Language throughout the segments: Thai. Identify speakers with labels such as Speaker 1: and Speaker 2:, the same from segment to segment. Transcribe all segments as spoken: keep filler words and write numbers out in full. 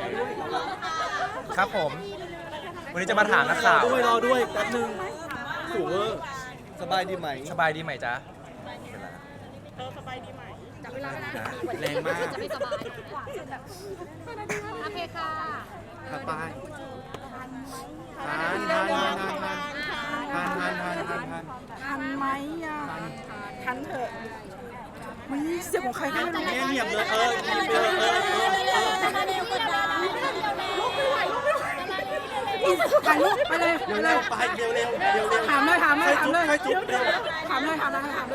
Speaker 1: ครับผมวันนี้จะมาถามนักข่าว
Speaker 2: ด้วยรอด้วยแป๊บนึงถูเวอร์สบายดีไหม
Speaker 1: สบายดีไหมจ๊ะ
Speaker 3: เธอสบายดีไหม
Speaker 4: จับเวลาแล้วนะ
Speaker 2: แรงมาก
Speaker 4: จะไม่สบายโอเคค่ะ
Speaker 2: ถัดไปทานทานทานทานทานทานทานทานทานทาน
Speaker 3: ทันไหมอ่ะทันเถอะมีเสียงของใครก็ไม่รู้
Speaker 2: เงียบเลยเออเงียบเลยเออเออเออ
Speaker 3: ถ่ายรูปไปเลยไปเล
Speaker 2: เร็วย ๆไปเร็วเร็วเร็วเร็ว
Speaker 3: ถามเลยถามเลยถามเลย
Speaker 2: ใครจุ๊บเร็ว
Speaker 3: ถามเลยถามเลยถามเลย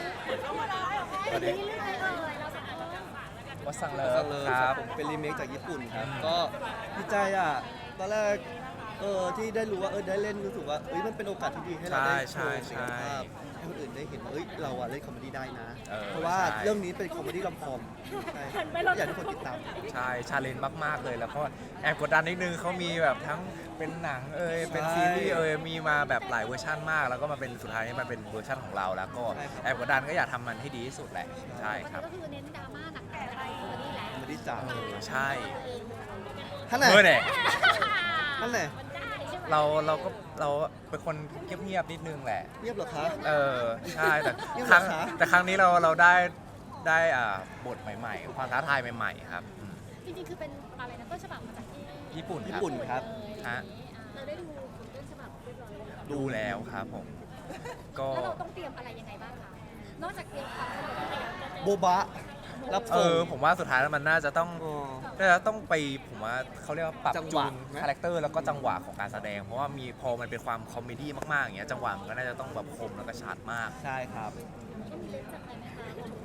Speaker 1: วัดสังเลิ
Speaker 2: ก็
Speaker 1: ฟ
Speaker 2: เลย
Speaker 1: ค
Speaker 2: ค
Speaker 1: รั
Speaker 2: รับบ ผมเป็นรีเมคจากญี่ปุ่นครับก็ดีใจอ่ะตอนแรกเออที่ได้รู้ว่าเออได้เล่นรู้สึกว่าเอ้ยมันเป็นโอกาสที่ดีให้เราได้โชว์ศักยภาพให้คนอื่นได้เห็นว่าเอ้ยเราอะเล่นคอมเมดี้ได้นะ
Speaker 1: เออ
Speaker 2: เพราะว่า
Speaker 1: ใช่
Speaker 2: เรื่องนี้เป็นคอมเมดี้ลำคอมใช่อยากให้ทุกคนติดตาม
Speaker 1: ใช่ชาเลนจ์มากๆเลยแล้วก็แอบกดดันนิดนึงเขามีแบบทั้งเป็นหนังเอยเป็นซีรีส์เอยมีมาแบบหลายเวอร์ชันมาก แล้วก็มาเป็นสุดท้ายนี่มันเป็นเวอร์ชันของเราแล้วก็
Speaker 2: ใช่ครับ
Speaker 1: แอบกดดันก็อยากทำมันให้ดีที่สุดแหละใช่ครับ
Speaker 4: ก็คือเน้นดราม่าหนักๆอะไรตัวนี้แหละ
Speaker 2: คอมเมดี้จ๋า
Speaker 1: ใช่
Speaker 2: ท่านไหน
Speaker 1: เมื่อเนี่ย
Speaker 2: ท่านไหน
Speaker 1: เราเราก็เราเป็นคนเงียบๆนิดนึงแหละ
Speaker 2: เงียบเหรอคะ
Speaker 1: เออใช่แต่
Speaker 2: ยัง
Speaker 1: ครั้ง
Speaker 2: เหรอคะ
Speaker 1: แต่ครั้งนี้เราเราได้ได้อ่าบทใหม่ๆ ความท้าทายใหม่ๆครับอืม
Speaker 4: จริงๆคือเป็นอะไรนะต้นฉบับมาจากที่
Speaker 1: ญี่ปุ่น
Speaker 2: ญี่
Speaker 1: ครับ
Speaker 2: ปุ่นครับ
Speaker 1: ฮะ
Speaker 4: เราได้ดูต้นฉบับเรียบร้อยแล้ว
Speaker 1: ดูแล้วครับผม ก็
Speaker 4: แล้วเราต้องเตรียมอะไรยังไงบ้างคะนอกจากเตรียมความสนุกที่เราจะเจอ
Speaker 2: โบบะรับ
Speaker 1: เอ
Speaker 2: ส่ง
Speaker 1: อผมว่าสุดท้ายแล้วมันน่าจะต้อง
Speaker 2: อ๋อ
Speaker 1: น่าจะต้องไปผมว่าเขาเรียกว่าปรับ
Speaker 2: จังห
Speaker 1: จู
Speaker 2: วะ
Speaker 1: น
Speaker 2: ไหม
Speaker 1: คาแรคเตอร์แล้วก็จังหวะของการแสดง เพราะว่ามีพอมันเป็นความคอมเมดี้มากๆอย่างเงี้ยจังหวะมันก็น่าจะต้องแบบคมแล้วก็ชัดมาก
Speaker 2: ใช่ครับ
Speaker 4: ต้องมีเล่นจากอะไรไหมคะ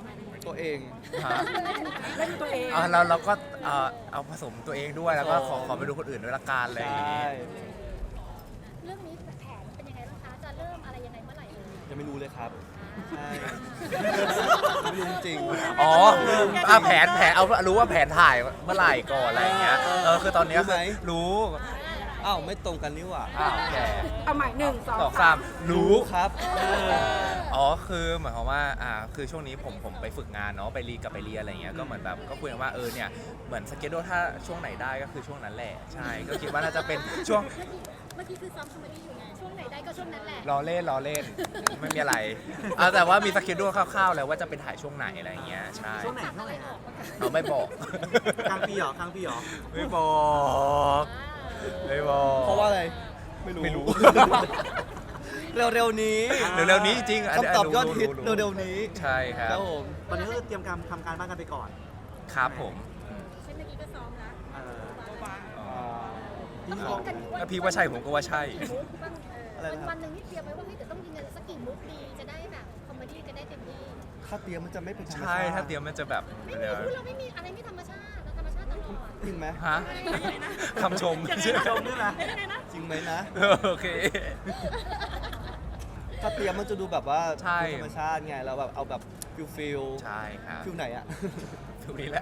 Speaker 2: ตัวเอง
Speaker 1: ฮะ
Speaker 3: เล่นตัวเอง
Speaker 1: อ่ะเราเราก็เอ่อเอาผสมตัวเองด้วยแล้วก็ขอขอไปดูคนอื่นด้วยละกันอะไรอย่าง
Speaker 2: ใช่
Speaker 1: งี้
Speaker 4: เรื่องนี้แผนเป็นยังไงบ้างคะจะเริ่มอะไรยังไงเมื่อไหร่เลย
Speaker 2: ยังไม่รู้เลยครับ ใช่ไม่รู้จริง
Speaker 1: อ๋ออ่ะแผนแผนเอารู้ว่าแผนถ่ายเมื่อไหร่ก่อนอะไรอย่างเงี้ยเออคือตอนเนี้ยคือรู้
Speaker 2: อ้าวไม่ตรงกันนี่หว่า
Speaker 1: อ้าวแก
Speaker 3: เอาใหม่หนึ่งสอง
Speaker 1: สองสามรู้
Speaker 2: ครับเออ
Speaker 1: อ๋อคือหมายความว่าอ่าคือช่วงนี้ผมผมไปฝึกงานเนาะไปรีกับไปเรียนอะไรเงี้ยก็เหมือนแบบก็คุยกันว่าเออเนี่ยเหมือนสเกจโดถ้าช่วงไหนได้ก็คือช่วงนั้นแหละใช่ก็คิดว่าน่าจะเป็นช่วง
Speaker 4: เมื่อกี้คือซ้อมคอมเมดี้อยู่ไงช่วงไหนได้ก็ช่วงนั้นแหละ
Speaker 1: รอเล่นรอเล่นไม่มีอะไรเอาแต่ว่ามีสเกจโดคร่าวๆแล้วว่าจะเป็นถ่ายช่วงไหนอะไรเงี้ยใช่
Speaker 3: ช่วงไหนช่วงไหนฮะ
Speaker 1: เราไม่บอก
Speaker 2: กลางปีเหรอกลางปีเหรอ
Speaker 1: ไม่บอกไม่บอก
Speaker 2: เพราะว่าอะไร ไม่รู้
Speaker 1: ไม่รู้
Speaker 2: เร็วๆนี้
Speaker 1: เร็วๆนี้จริงๆนนี้
Speaker 2: คำตอบยอดฮิต
Speaker 1: รู้
Speaker 2: เร็วๆนี้
Speaker 1: ใช่ครั
Speaker 2: ครับ บผม
Speaker 5: ตอนนี้ก็คือเตรียมการทำการบ้านกันไปก่อน
Speaker 1: ครับผม
Speaker 4: เช่นเมื่อกี้ก็ซ้อมนะ
Speaker 5: เออ
Speaker 1: อ๋อ
Speaker 4: ต้องซ้อมกันทุกวัน
Speaker 1: ถ้าพี่ว่าใช่ผมก็ว่าใช่
Speaker 2: อะไร
Speaker 4: วัน
Speaker 2: นะครับ
Speaker 4: วันหนึ่งนี่เตรียมไว้ว่าเฮ้ยเดี๋ยวต้องยิงกันสักกี่มุกดีจะได้แบบคอมเมดี้จะได้เต็มที่
Speaker 2: ถ้าเตรียมมันจะไม่เป็นธรรมชาติ
Speaker 1: ใช่ถ้าเตรียมมันจะแบบ
Speaker 4: ไม่มีพูดเราไม่มีอะไรไม่ธรรมชาติเราธรรมชาติตลอด
Speaker 2: จริงไหม
Speaker 1: ฮะคำชม
Speaker 5: ชมด้วยไหม
Speaker 2: จริงไหมนะ
Speaker 1: โอเค
Speaker 2: ถ้าเตรียมมันจะดูแบบว่า
Speaker 1: ใช่
Speaker 2: ธรรมชาติไงเราแบบเอาแบบฟิลฟิล
Speaker 1: ใช่ครับ
Speaker 2: ฟิลไหนอะ
Speaker 1: ทุกนี้แหละ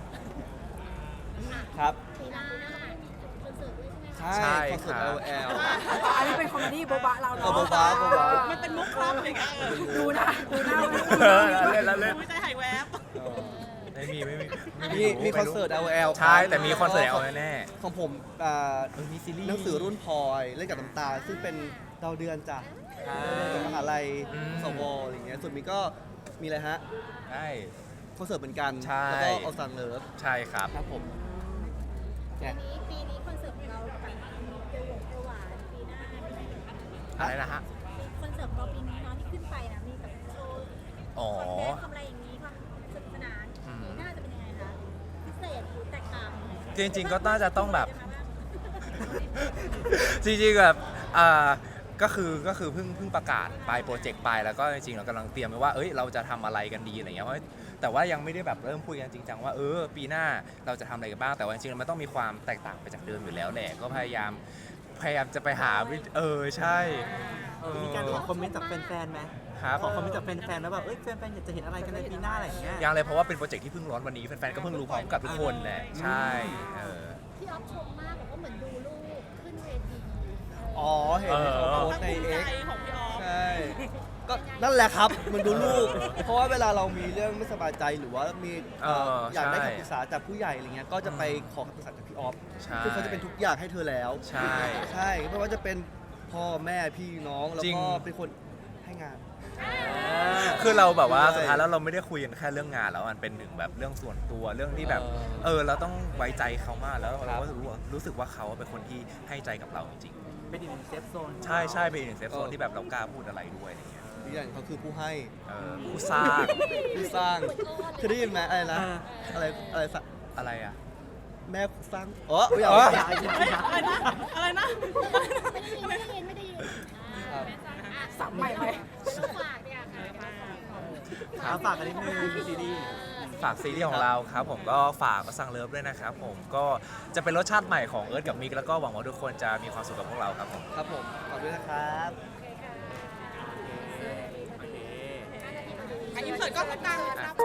Speaker 2: ครับ
Speaker 4: ปีหน้ามีคอนเสิร์ตด้วยใช่ไหมคะ
Speaker 2: ใช่
Speaker 1: ใช่
Speaker 2: คอนเสิร์ต
Speaker 1: ครั
Speaker 2: L
Speaker 1: บ
Speaker 2: L
Speaker 3: อันนี้เป็นคอมเมดี้โบบะเรา
Speaker 2: เออ
Speaker 3: เนาะ
Speaker 2: โบบะโบบะ
Speaker 3: มันเป็นมุกครับอย่างเงี้ยดูนะดูหน้า
Speaker 1: เออเล่นแล้วเล่น
Speaker 3: ไม่ใจหายแวบ
Speaker 1: ไม่มีไม่มีไ
Speaker 2: มีมีคอนเสิร์ต L L
Speaker 1: ใช่แต่มีคอนเสิร์ต L แน่
Speaker 2: ของผมอ่า
Speaker 1: เออมีซีรีส์
Speaker 2: หนังสือรุ่นพลอยเล่นกับน้ำตาลซึ่งเป็นดาวเดือนจ้ะจากมหาลัยสวอะไรอย่างเงี้ยส่วนมีก็มีอะไรฮะ
Speaker 1: ใช่
Speaker 2: คอนเสิร์ตเหมือนกัน
Speaker 1: ใช่
Speaker 2: แล้วก็เอาซันเลิฟ
Speaker 1: ใช่ครับ
Speaker 2: ครับผม
Speaker 4: ปี
Speaker 2: เนี่ย
Speaker 4: นี้ปีนี้คอนเสิร์ตของเราแบบเกี่ยวกับประวัติปีหน้าเป็นยังไงบ้าง
Speaker 1: อะไรนะฮะ
Speaker 4: คอนเสิร์ตของเราปีนี้เนาะที่ขึ้นไปนะมีแบบโชว์
Speaker 1: อ๋อ
Speaker 4: คอนเทนต์ทำอะไรอย่างนี้ความสนุกสนาน
Speaker 1: อืม
Speaker 4: ปีหน้าจะเป็นยังไงคะพิเศษหรือแตกต่าง
Speaker 1: จริงๆก็น่าจะต้องแบบ จริงๆแบบอ่าก็คือก็คือเพิ่งเพิ่งประกาศไปโปรเจกต์ไปแล้วก็จริงๆเรากำลังเตรียมไว้ว่าเอ้ยเราจะทำอะไรกันดีอะไรเงี้ยเพราะแต่ว่ายังไม่ได้แบบเริ่มคุยกันจริงจังว่าเออปีหน้าเราจะทำอะไรกันบ้างแต่ว่าจริงๆมันต้องมีความแตกต่างไปจากเดิมอยู่แล้วแหละก็พยายามพยายามจะไปหาวิธีเออใช่เออ
Speaker 5: มีการขอคอมเมนต์จากแฟนๆไหม
Speaker 1: ครับ
Speaker 5: ขอคอมเมนต์จากแฟนๆแล้วแบบเอ้ยแฟนๆอยากจะเห็นอะไรกันในปีหน้าอะไรอย่างเงี้ย
Speaker 1: ยังเลยเพราะว่าเป็นโปรเจกต์ที่เพิ่งร้อนวันนี้แฟนๆก็เพิ่งรู้พร้อมกับทุกคนแหละใช่เออ
Speaker 4: พี่ออฟชมมากบอกว่าเหมือนดูลูกขึ้นเวที
Speaker 2: อ๋อ เห็นเขาโพสต์ใน X
Speaker 3: ของพี่ออฟ
Speaker 2: ใช่ก็นั่นแหละครับมันดูลูก เพราะว่าเวลาเรามีเรื่องไม่สบายใจหรือว่ามีเอ่อ
Speaker 1: เออ
Speaker 2: อยากได้
Speaker 1: ใช่
Speaker 2: คำปรึกษาจากผู้ใหญ่อะไรเงี้ยก็จะไปขอคำปรึกษาจากพี่ออฟ
Speaker 1: ใช่
Speaker 2: คือเขาจะเป็นทุกอย่างให้เธอแล้ว
Speaker 1: ใช่
Speaker 2: ใช่ไม่ว่าจะเป็นพ่อแม่พี่น้องแล้ว
Speaker 1: จริง
Speaker 2: ก็เป็นคนให้งาน
Speaker 1: คือเราแบบว่า
Speaker 2: ใช่
Speaker 1: สุดท้ายแล้วเราไม่ได้คุยกันแค่เรื่องงานแล้วมันเป็นหนึ่งแบบเรื่องส่วนตัวเรื่องที่แบบ
Speaker 2: เออ
Speaker 1: เออเราต้องไว้ใจเขามากแล้ว
Speaker 2: ครั
Speaker 1: เรา
Speaker 2: บ
Speaker 1: ก็รู้ว่ารู้สึกว่าเขาเป็นคนที่ให้ใจกับเราจริง
Speaker 5: เป็นอีกหนึ่งเซฟโซน
Speaker 1: ๆใช่ใช่เป็นอีกหนึ่งเซฟโซนที่แบบเรากล้าพูดอะไรด้วยอะไรเงี้ย
Speaker 2: อีกอย่างเขาคือผู้ให้
Speaker 1: เออผู้สร้าง
Speaker 2: ผู้สร้างเคยได้ยินไหมอะไรนะอะไรอะไรสัก
Speaker 1: อะไรอ่ะ
Speaker 2: แม่สร้างอ๋อไม่อยาก
Speaker 1: อ๋อ
Speaker 2: ไม่อยาก
Speaker 3: อะไรนะอะไรนะ
Speaker 4: ไม่ได้ยินไม่ได้ยินไม่ได้ยิน
Speaker 2: ครับ
Speaker 3: สับใหม่ไหม
Speaker 4: ต้องฝากเนี่ยค่ะ
Speaker 5: เอาฝากกันนิดนึงซีรีส์
Speaker 1: ฝากซีรีส์ของเราครับผมก็ฝากสั่งเลิฟด้วยนะครับผมก็จะเป็นรสชาติใหม่ของเอิร์ธกับมิกแล้วก็หวังว่าทุกคนจะมีความสุขกับพวกเราครับผม
Speaker 2: ครับผมขอบคุณนะครับ
Speaker 5: โอเค
Speaker 3: อันนี้เปิดก็ตรงกลาง